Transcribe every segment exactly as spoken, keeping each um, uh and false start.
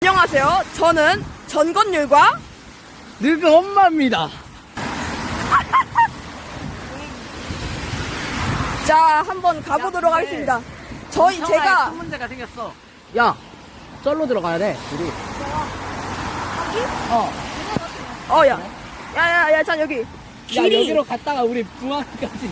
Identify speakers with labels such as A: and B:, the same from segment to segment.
A: 안녕하세요. 저는 전건율과
B: 늙은 엄마입니다.
A: 자 한번 가보도록
B: 야,
A: 하겠습니다. 저희 제가
B: 큰 문제가 생겼어. 야, 쩔로 들어가야 돼. 우리. 어.
A: 어야 야야야 자 여기
B: 야,
A: 길이
B: 여기로 갔다가 우리 부안까지.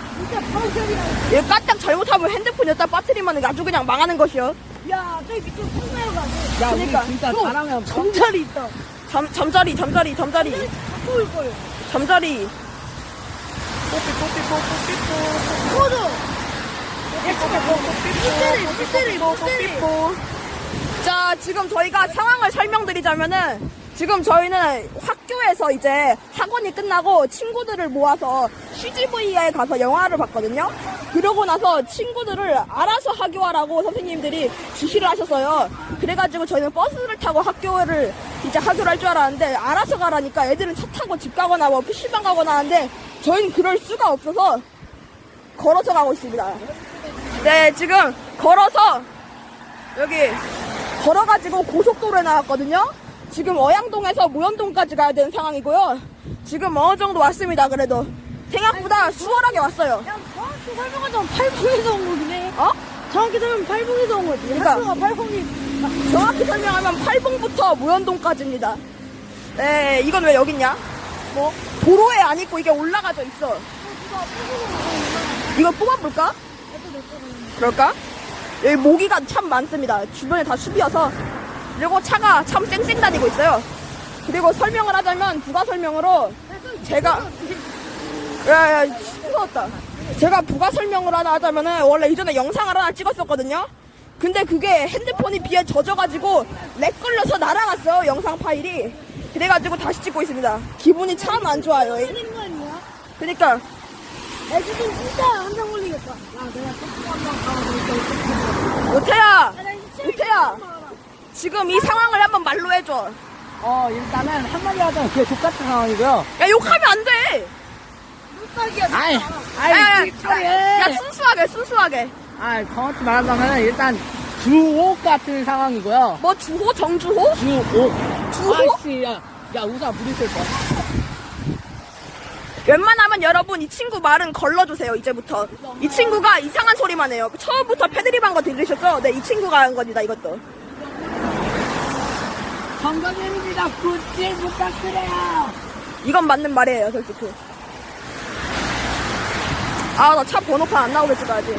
A: 얘 까딱 잘못하면 핸드폰 여기다 빠뜨리면 아주 그냥 망하는 것이요.
C: 야, 저기 밑으로 팽나요 가네.
B: 야,
A: 그러니까.
B: 우리 진짜
C: 형,
B: 잘하면
C: 잠자리 있다.
A: 잠 잠자리 잠자리 잠자리
C: 갖고 올 거예요.
A: 잠자리.
C: 꺼져. 물세리, 물세리, 물세리.
A: 자 지금 저희가 상황을 설명드리자면은 지금 저희는 학교에서 이제 학원이 끝나고 친구들을 모아서 씨지비에 가서 영화를 봤거든요. 그러고 나서 친구들을 알아서 학교하라고 선생님들이 지시를 하셨어요. 그래가지고 저희는 버스를 타고 학교를 이제 학교를 할 줄 알았는데 알아서 가라니까 애들은 차 타고 집 가거나 뭐 피시방 가거나 하는데 저희는 그럴 수가 없어서 걸어서 가고 있습니다. 네 지금 걸어서 여기 걸어가지고 고속도로에 나왔거든요. 지금 어양동에서 무현동까지 가야 되는 상황이고요. 지금 어느 정도 왔습니다. 그래도 생각보다 수월하게 왔어요.
C: 야, 정확히 설명하자면 팔봉에서 온 거긴 해.
A: 어?
C: 정확히 설명하면 팔봉에서 온 거지.
A: 그러니까.
C: 학교가 팔봉이.
A: 정확히 설명하면 팔봉부터 무현동까지입니다. 네, 이건 왜 여기 있냐? 뭐 도로에 안 있고 이게 올라가져 있어. 이거 뽑아볼까? 그럴까? 여기 모기가 참 많습니다. 주변에 다 숲이어서. 그리고 차가 참 쌩쌩 다니고 있어요. 그리고 설명을 하자면 부가 설명으로 제가 야야 무서웠다. 제가 부가 설명을 하나 하자면은 원래 이전에 영상을 하나 찍었었거든요. 근데 그게 핸드폰이 비에 젖어가지고 렉 걸려서 날아갔어요. 영상 파일이. 그래가지고 다시 찍고 있습니다. 기분이 참 안 좋아요.
C: 되는 거 아니야?
A: 그러니까
C: 야, 지금 진짜 한장 걸리겠다. 야, 내가 조금 한장 가고
A: 오태야,
C: 있어.
A: 오태야. 지금 이 상황을 한번 말로 해줘.
B: 어, 일단은 한마디 하자면 그게 족같은 상황이고요.
A: 야 욕하면 안 돼.
C: 눈딱이야.
B: 아이,
A: 야,
B: 아이,
A: 야,
B: 찌릿하게.
A: 야, 야 순수하게 순수하게.
B: 아, 정확히 말하자면 일단 주옥 같은 상황이고요.
A: 뭐 주호 정주호?
B: 주옥.
A: 주호?
B: 아이씨, 야, 야, 우사 부딪힐 거야.
A: 웬만하면 여러분 이 친구 말은 걸러주세요. 이제부터 이 친구가 이상한 소리만 해요. 처음부터 패드립 한 거 들으셨죠? 네, 이 친구가 한 겁니다. 이것도.
B: 건강입니다. 굿질 부탁드려요.
A: 이건 맞는 말이에요, 솔직히. 아, 나 차 번호판 안 나오게 찍어야지.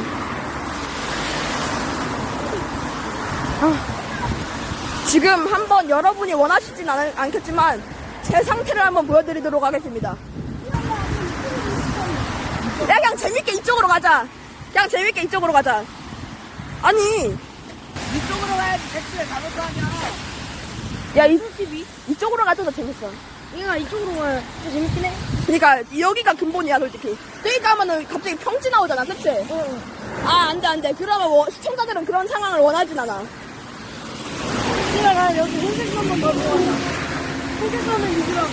A: 아, 지금 한번 여러분이 원하시진 않, 않겠지만 제 상태를 한번 보여드리도록 하겠습니다. 야, 그냥 재밌게 이쪽으로 가자. 그냥 재밌게 이쪽으로 가자. 아니,
B: 이쪽으로 가야지. 택시를 가볼 거 아니야.
A: 야, 이, 이쪽으로 가도 더 재밌어.
C: 얘가 이쪽으로 가야 더 재밌긴 해.
A: 그니까 여기가 근본이야 솔직히. 저기 가면은 갑자기 평지 나오잖아, 그치?
C: 어.
A: 아 안돼 안돼. 그러면 워- 시청자들은 그런 상황을 원하진 않아.
C: 얘가 나 여기 흰색 한번 더 좋아한다. 흰색 하면 이거랑.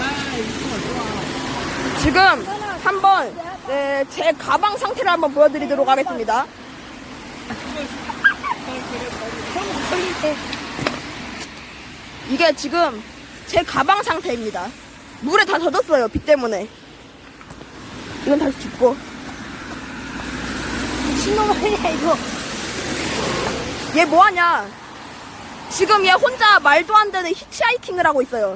A: 지금 한번 네, 제 가방 상태를 한번 보여드리도록 하겠습니다. 이게 지금 제 가방 상태입니다. 물에 다 젖었어요, 비 때문에. 이건 다시 짚고.
C: 미친놈 아니야, 이거.
A: 얘 뭐하냐? 지금 얘 혼자 말도 안 되는 히치하이킹을 하고 있어요.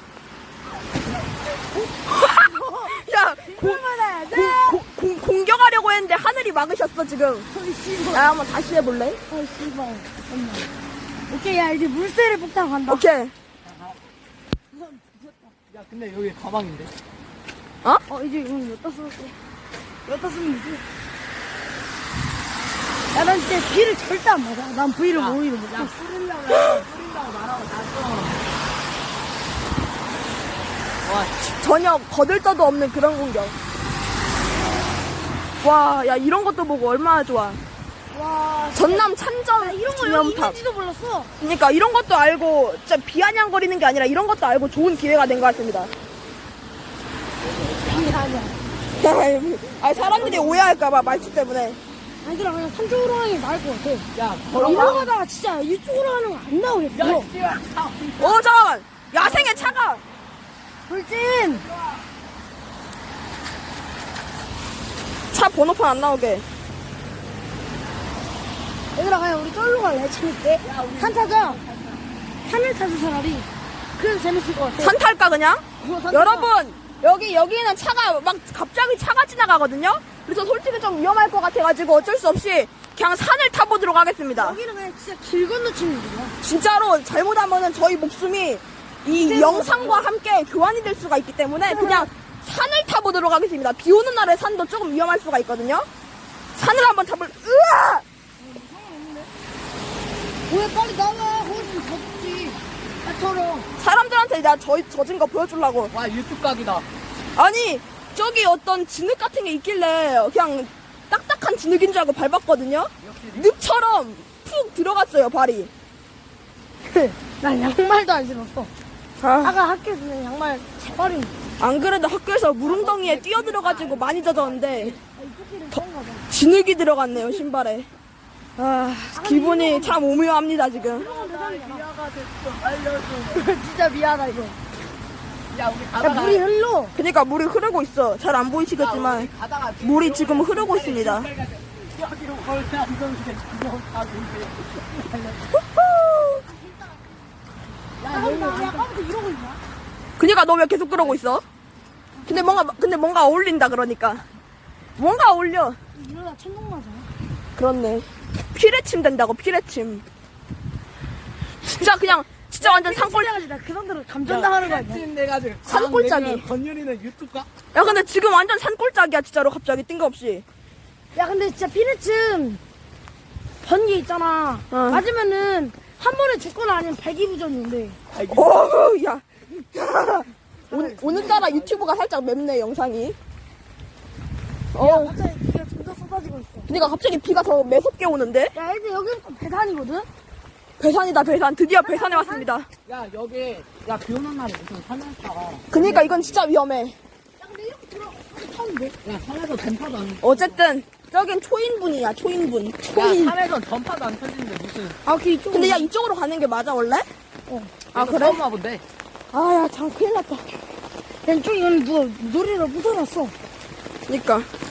A: 야, 고,
C: 얼마나 돼?
A: 고, 고, 공격하려고 했는데 하늘이 막으셨어 지금.
C: 어이, 씨발.
A: 야, 한번 다시 해볼래?
C: 어이, 씨발. 잠깐만. 오케이, 야, 이제 물세를 폭탄 간다.
A: 오케이.
B: 야, 근데 여기 가방인데.
A: 어?
C: 어, 이제 이건 여기다 쓸게. 여기다 쓰면 되지. 야, 난 진짜 B를 절대 안 맞아. 난 V를
B: 야,
C: 오히려 못해.
B: 야, 뿌리려고, 뿌린다고 말하고 났어. 와,
A: 전혀 거들떠도 없는 그런 공격. 와, 야 이런 것도 보고 얼마나 좋아.
C: 와,
A: 전남 찬점
C: 야, 이런 거 여기
A: 기념탑.
C: 있는지도 몰랐어.
A: 그러니까 이런 것도 알고 진짜 비아냥거리는 게 아니라 이런 것도 알고 좋은 기회가 된 것 같습니다.
C: 아니, 아니야.
A: 아 사람들이 오해할까봐 말투 때문에.
C: 얘들아, 그냥 산 쪽으로 하는 게 나을 것 같아.
B: 야,
C: 걸어가다가 진짜 이쪽으로 하는 거 안 나오겠어.
B: 야, 씨발.
A: 어, 잠깐만. 야생의 차가.
C: 돌진!
A: 차 번호판 안 나오게.
C: 얘들아, 그냥 우리 쫄로 갈래, 재밌게. 산 타자. 산을 타자, 차라리. 그래서 재밌을 것 같아.
A: 산 탈까, 그냥?
C: 어, 산 타자.
A: 여러분, 여기, 여기는 차가, 막, 갑자기 차가 지나가거든요? 그래서 솔직히 좀 위험할 것 같아가지고 어쩔 수 없이 그냥 산을 타보도록 하겠습니다.
C: 여기는 그냥 진짜 길 건너치는 거야.
A: 진짜로 잘못하면은 저희 목숨이 이 영상과 함께 교환이 될 수가 있기 때문에 그냥 산을 타보도록 하겠습니다. 비 오는 날에 산도 조금 위험할 수가 있거든요. 산을 한번 타볼, 으아!
C: 왜 빨리 나와. 거기 좀 젖지. 나처럼.
A: 사람들한테 내가 저, 젖은 거 보여주려고.
B: 와, 유튜브 각이다.
A: 아니, 저기 어떤 진흙 같은 게 있길래 그냥 딱딱한 진흙인 줄 알고 밟았거든요. 늪처럼 푹 들어갔어요, 발이.
C: 난 양말도 안 신었어.
A: 아,
C: 아까 학교에서 는 양말 재활용.
A: 안 그래도 학교에서 물웅덩이에 뛰어들어가지고 많이 젖었는데
C: 이쪽길은 그런가 봐.
A: 진흙이 들어갔네요, 신발에. 아, 기분이 참 오묘합니다, 지금.
C: 이런 건 대단이야.
B: 미아가 됐어. 알려줘.
C: 진짜 미안하다, 이거.
B: 야, 우리
C: 야,
B: 가다가.
C: 물이 흘러.
A: 그러니까 물이 흐르고 있어. 잘 안 보이시겠지만
B: 가다가.
A: 물이 지금 흐르고 있습니다.
B: 여기로 걸다 이건데 그냥 가고 있대.
C: 야, 여기 아까부터 이러고 있나?
A: 그니까 너 왜 계속 그러고 있어? 근데 뭔가 근데 뭔가 어울린다 그러니까. 뭔가 어울려.
C: 이러다 천둥 맞아.
A: 그렇네. 피레침 된다고, 피레침. 진짜 그냥 진짜 완전 산골.
C: 나그 정도로 감전당하는 거 아니야?
B: 내가지고.
A: 산골짜기.
B: 건율이는 유튜브 각.
A: 야, 근데 지금 완전 산골짜기야, 진짜로. 갑자기 뜬금없이.
C: 야, 근데 진짜 피레츠 번개 있잖아.
A: 어.
C: 맞으면은 한 번에 죽거나 아니면 발기부전인데.
A: 어우, 야. 오, 오늘따라 유튜브가 살짝 맵네, 영상이. 어.
C: 갑자기 비가 점점 쏟아지고 있어.
A: 그러니까 갑자기 비가 더 매섭게 오는데?
C: 야, 애들 여기는 또 배산이거든?
A: 배산이다, 배산. 드디어 배산에 왔습니다.
B: 야, 여기. 야, 비 오는 날에 무슨 산에서.
A: 그러니까 이건 진짜 위험해.
C: 야, 근데 이렇게 들어가. 이렇게 타는데?
B: 야, 산에서 전파도 안.
A: 어쨌든 저긴 초인분이야, 초인분.
B: 야,
A: 초인.
B: 산에서 전파도 안 터지는데 무슨.
C: 아, 그 이쪽.
A: 근데 야, 이쪽으로 가는 게 맞아, 원래?
C: 어.
A: 아,
B: 얘도
A: 그래?
B: 처음 와본데.
A: 아, 야, 참 큰일 났다.
C: 야, 이쪽 이거는 누가 놀이를 묻어놨어.
A: 그니까.